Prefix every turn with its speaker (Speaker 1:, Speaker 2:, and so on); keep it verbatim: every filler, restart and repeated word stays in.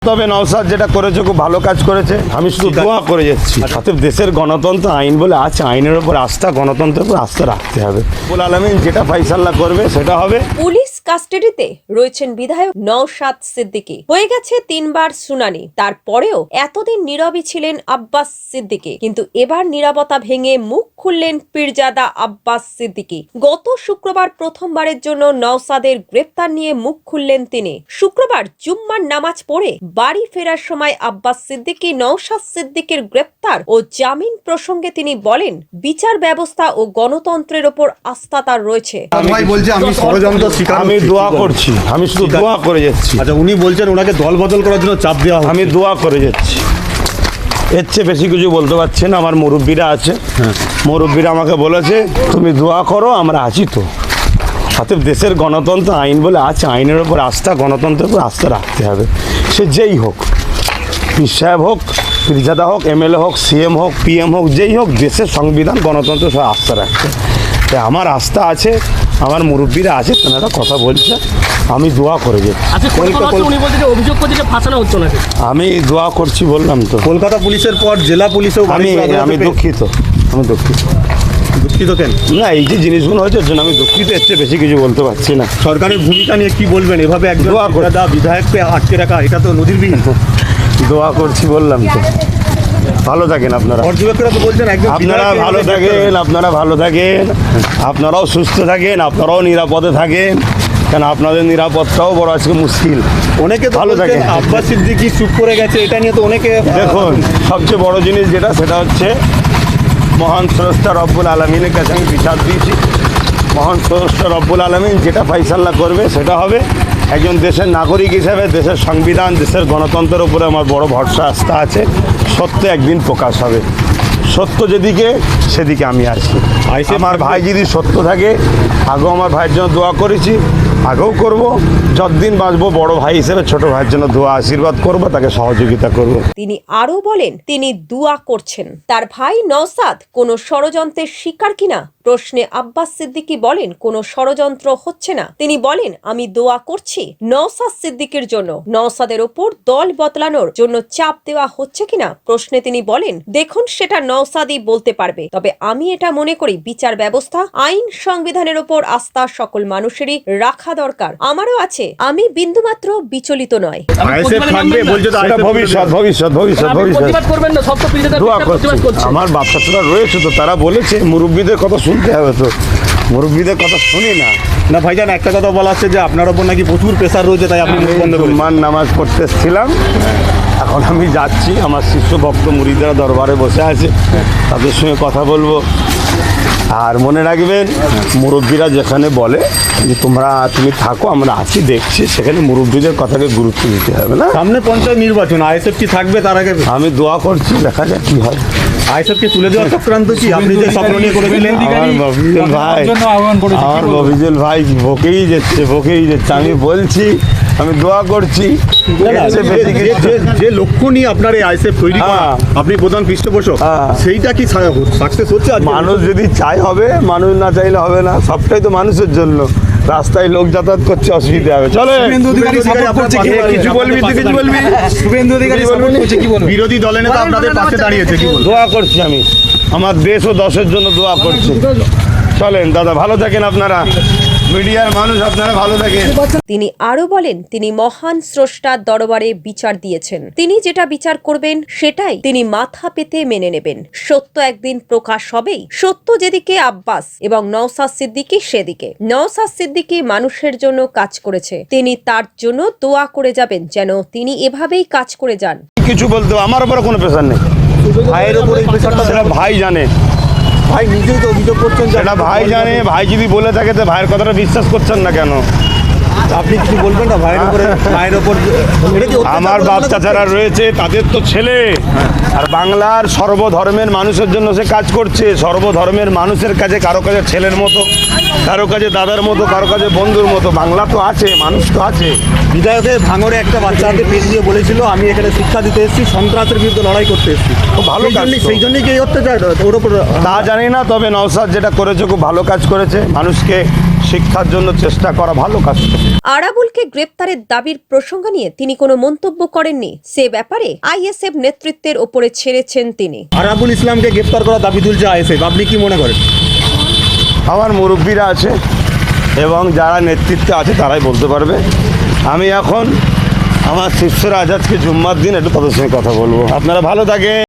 Speaker 1: তবে নওশাদ যেটা করেছে খুব ভালো কাজ করেছে, আমি শুধু দোয়া করে যাচ্ছি। অতএব দেশের গণতন্ত্র আইন বলে আছে, আইনের উপর আস্থা, গণতন্ত্রের উপর আস্থা রাখতে হবে। রব্বুল আলামিন যেটা ফাইসাল্লা করবে সেটা হবে।
Speaker 2: পুলিশ কাস্টাডিতে রয়েছেন বিধায়ক নওশাদ সিদ্দিকী। হয়ে গেছে তিনবার শুনানি, তারপরেও এতদিন নীরবই ছিলেন আব্বাস সিদ্দিকী, কিন্তু এবার নীরবতা ভেঙে মুখ খুললেন পীরজাদা আব্বাস সিদ্দিকী। গত শুক্রবার প্রথমবারের জন্য নওশাদের গ্রেপ্তার নিয়ে মুখ খুললেন তিনি। শুক্রবার জুম্মার নামাজ পড়ে বাড়ি ফেরার সময় আব্বাস সিদ্দিকী নওশাদ সিদ্দিকীর গ্রেপ্তার ও জামিন প্রসঙ্গে তিনি বলেন, বিচার ব্যবস্থা ও গণতন্ত্রের ওপর আস্থা তার রয়েছে।
Speaker 3: ভাই বলছে আমি ষড়যন্ত্র শিকার,
Speaker 1: আমি দোয়া করছি, আমি শুধু দোয়া করে যাচ্ছি।
Speaker 3: আচ্ছা, উনি বলছেন ওনাকে দল বদল করার জন্য চাপ দেওয়া হবে।
Speaker 1: আমি দোয়া করে যাচ্ছি, এর চেয়ে বেশি কিছু বলতে পারছি না। আমার মুরব্বীরা আছে, মুরব্বীরা আমাকে বলেছে তুমি দোয়া করো, আমরা আছি তো। অতএব দেশের গণতন্ত্র আইন বলে আছে, আইনের উপর আস্থা, গণতন্ত্রের উপর আস্থা রাখতে হবে। সে যেই হোক, পীর সাহেব হোক, পীরজাদা হোক, এমএলএ হোক, সিএম হোক, পিএম হোক, যেই হোক, দেশের সংবিধান, গণতন্ত্র সব আস্থা রাখতে। তাই আমার আস্থা আছে, আমার মুরব্বীরা আছে, তেনারা কথা বলছে, আমি দোয়া করে যাচ্ছি। আমি দোয়া করছি বললাম তো।
Speaker 3: কলকাতা পুলিশের পর জেলা পুলিশেও
Speaker 1: আমি আমি দুঃখিত, আমি দুঃখিত।
Speaker 3: দুঃখিত কেন?
Speaker 1: না, এই যে জিনিসগুলো হয়েছে জন্য আমি দুঃখিত, এর চেয়ে বেশি কিছু বলতে পারছি না।
Speaker 3: সরকারের ভূমিকা নিয়ে কি বলবেন? এভাবে একজন
Speaker 1: দোয়া করে
Speaker 3: দা বিধায়ককে আটকে রাখা, এটা তো নজিরবিহীন।
Speaker 1: দোয়া করছি বললাম তো। ভালো থাকেন আপনারা,
Speaker 3: পর্যবেক্ষকরা তো বলছেন একজন
Speaker 1: আপনারা ভালো থাকেন, আপনারা ভালো থাকেন, আপনারাও সুস্থ থাকেন, আপনারাও নিরাপদে থাকেন, কারণ আপনাদের নিরাপত্তাও বড় আজকে মুশকিল।
Speaker 3: অনেকে
Speaker 1: ভালো
Speaker 3: ভালো থাকে।
Speaker 1: থাকেন।
Speaker 3: আব্বাস সিদ্দিকী চুপ করে গেছে, এটা নিয়ে তো অনেকে
Speaker 1: দেখুন, সবচেয়ে বড় জিনিস যেটা, সেটা হচ্ছে মহান স্রষ্টা রব্বুল আলমিনের কাছে আমি বিচার দিয়েছি। মহান স্রষ্টা রব্বুল আলমিন যেটা ফাইসাল্লা করবে সেটা হবে। একজন দেশের নাগরিক হিসেবে দেশের সংবিধান, দেশের গণতন্ত্রের উপরে আমার বড় ভরসা, আস্থা আছে। সত্য একদিন প্রকাশ হবে, সত্য যেদিকে সেদিকে আমি আছি। আমার ভাই যদি সত্য থাকে, আগেও আমার ভাইয়ের জন্য দোয়া করেছি, আগেও করব, যতদিন বাঁচবো বড় ভাই হিসেবে ছোট ভাইয়ের জন্য দোয়া আশীর্বাদ করব, তাকে সহযোগিতা করব।
Speaker 2: তিনি আরো বলেন, তিনি দুয়া করছেন। তার ভাই নওশাদ কোনো ষড়যন্ত্রের শিকার কিনা প্রশ্নে আব্বাস সিদ্দিকী বলেন, কোনো ষড়যন্ত্র হচ্ছে না। তিনি বলেন, আমি দোয়া করছি নওশাদ সিদ্দিকীর জন্য। নওশাদের ওপর দল বদলানোর জন্য চাপ দেওয়া হচ্ছে কিনা প্রশ্নে তিনি বলেন, দেখুন সেটা নওশাদই বলতে পারবে, তবে আমি এটা মনে করি বিচার ব্যবস্থা, আইন, সংবিধানের ওপর আস্থা সকল মানুষেরই রাখা দরকার। আমারও আছে, আমি বিন্দুমাত্র বিচলিত নয়।
Speaker 1: ভবিষ্যৎ ভবিষ্যৎ ভবিষ্যৎ ভবিষ্যৎ দোয়া করছি। আমার বাচ্চারা রয়েছে তো, তারা বলেছে, মুরব্বীদের কথা শুনতে হবে তো, মুরব্বীদের কথা শুনি না।
Speaker 3: না ভাইজান, একটা কথা বলা হচ্ছে যে আপনার ওপর নাকি প্রচুর প্রেসার রয়েছে, তাই আপনি মুখ বন্ধ করলেন।
Speaker 1: মান নামাজ পড়তে এসেছিলাম, এখন আমি যাচ্ছি। আমার শিষ্য ভক্ত মুরিদরা দরবারে বসে আছে, তাদের সঙ্গে কথা বলবো। আর মনে রাখবেন, মুরব্বীরা যেখানে বলে যে তোমরা তুমি থাকো, আমরা আছি, দেখছি, সেখানে মুরব্বীদের কথাকে গুরুত্ব দিতে হবে না।
Speaker 3: সামনে পঞ্চায়েত নির্বাচন, আইএসএফ কি থাকবে তার আগে?
Speaker 1: আমি দোয়া করছি, দেখা যাক কি হয়।
Speaker 3: আইএসএফকে তুলে দেওয়ার চক্রান্ত কি আপনি যে স্বপ্ন নিয়ে করেছিলেন?
Speaker 1: আমার মফিজুল ভাই, আমার মফিজুল ভাই বকেই যাচ্ছে, বকেই যাচ্ছে। আমি বলছি, আমি দোয়া করছি।
Speaker 3: যে লক্ষ্য নিয়ে আপনার এই আইএসএফ তৈরি করা, আপনি প্রধান পৃষ্ঠপোষক, সেইটা কি সাকসেস হচ্ছে?
Speaker 1: মানুষ যদি চাই হবে, মানুষ না চাইলে হবে না। সবটাই তো মানুষের জন্য। রাস্তায় লোক যাতায়াত করছে, অসুবিধা হবে। চলে কিছু বলবি, তুই কিছু বলবি।
Speaker 3: শুভেন্দু অধিকারী বিরোধী দলের নেতা আপনাদের পাশে দাঁড়িয়েছে, কি বলবো?
Speaker 1: দোয়া করছি আমি, আমার দেশ ও দশের জন্য দোয়া করছি। চলেন দাদা, ভালো থাকেন আপনারা, মিডিয়ার মানুষ, আপনারা ভালো থাকেন।
Speaker 2: তিনি আরো বলেন, তিনি মহান স্রষ্টার দরবারে বিচার দিয়েছেন। তিনি যেটা বিচার করবেন সেটাই তিনি মাথা পেতে মেনে নেবেন। সত্য একদিন প্রকাশ হবেই। সত্য যেদিকে আব্বাস এবং নওশাদ সিদ্দিকী সেদিকে। নওশাদ সিদ্দিকী মানুষের জন্য কাজ করেছে, তিনি তার জন্য দোয়া করে যাবেন, যেন তিনি এভাবেই কাজ করে যান।
Speaker 1: কিছু বলতে, আমার উপরে কোনো প্রেশার নেই।
Speaker 3: ভাইয়ের উপর এই প্রেশারটা
Speaker 1: সেটা ভাই জানে,
Speaker 3: ভাই নিজেই তো অভিযোগ করছেন,
Speaker 1: সেটা ভাই জানে। ভাই যদি বলে থাকে তো ভাইয়ের কথাটা বিশ্বাস করছেন না কেন?
Speaker 3: আপনি কিছু বলবেন না ভাইয়ের উপরে? ভাইয়ের উপর
Speaker 1: আমার বাচ্চা যারা রয়েছে তাদের তো ছেলে, আর বাংলার সর্বধর্মের মানুষের জন্য সে কাজ করছে। সর্বধর্মের মানুষের কাছে, কারো কাছে ছেলের মতো, কারো কাছে দাদার মতো, কারো কাছে বন্ধুর মতো। বাংলা তো আছে, মানুষ তো আছে।
Speaker 3: বিধায়কের ভাঙড়ে একটা বাচ্চা হাতে পেশ দিয়ে বলেছিল, আমি এখানে শিক্ষা দিতে এসেছি, সন্ত্রাসের বিরুদ্ধে লড়াই করতে এসেছি।
Speaker 1: খুব ভালো কাজ।
Speaker 3: সেই জন্যই কি অত্যাচার ওর উপর?
Speaker 1: তা জানি না, তবে নওশাদ যেটা করেছে খুব ভালো কাজ করেছে। মানুষকে শিক্ষার জন্য চেষ্টা করা ভালো কাজ।
Speaker 2: আরাবুলকে গ্রেপ্তারের দাবির প্রসঙ্গ নিয়ে তিনি কোনো মন্তব্য করেননি। সে ব্যাপারে আইএসএফ নেতৃত্বের ওপরে ছেড়েছেন তিনি।
Speaker 3: আরাবুল ইসলামকে গ্রেফতার করার দাবি তুলছে আইএসএফ, আপনি কি মনে করেন?
Speaker 1: আমার মুরব্বীরা আছে এবং যারা নেতৃত্বে আছে তারাই বলতে পারবে। আমি এখন আমার শিষ্যরা আজ আজকে জুম্মার দিন একটু তাদের সঙ্গে কথা বলবো। আপনারা ভালো থাকেন।